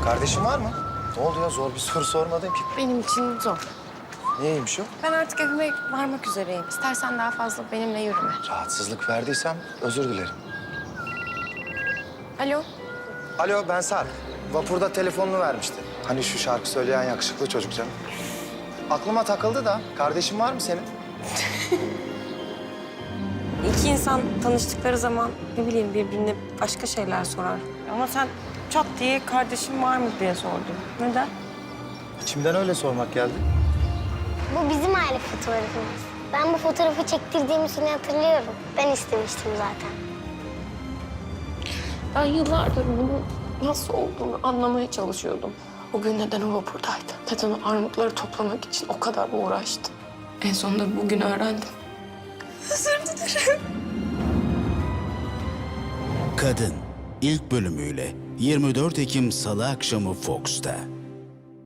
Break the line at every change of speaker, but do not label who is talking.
Kardeşin var mı? Ne oldu ya? Zor bir soru sormadım ki.
Benim için zor.
Niyeymiş o?
Ben artık evime varmak üzereyim. İstersen daha fazla benimle yürüme.
Rahatsızlık verdiysem özür dilerim.
Alo?
Alo, ben Sarp. Vapurda telefonunu vermişti. Hani şu şarkı söyleyen yakışıklı çocuk canım. Aklıma takıldı da. Kardeşin var mı senin?
İki insan tanıştıkları zaman ne bileyim birbirine başka şeyler sorar. Ama sen çat diye kardeşim var mı diye sordun. Neden?
İçimden öyle sormak geldi.
Bu bizim aile fotoğrafımız. Ben bu fotoğrafı çektirdiğimiz günü hatırlıyorum. Ben istemiştim zaten.
Ben yıllardır bunun nasıl olduğunu anlamaya çalışıyordum. O gün neden o vapurdaydı? Neden o armutları toplamak için o kadar uğraştı? En sonunda bugün öğrendim. Özür dilerim.
Kadın ilk bölümüyle 24 Ekim Salı akşamı Fox'ta.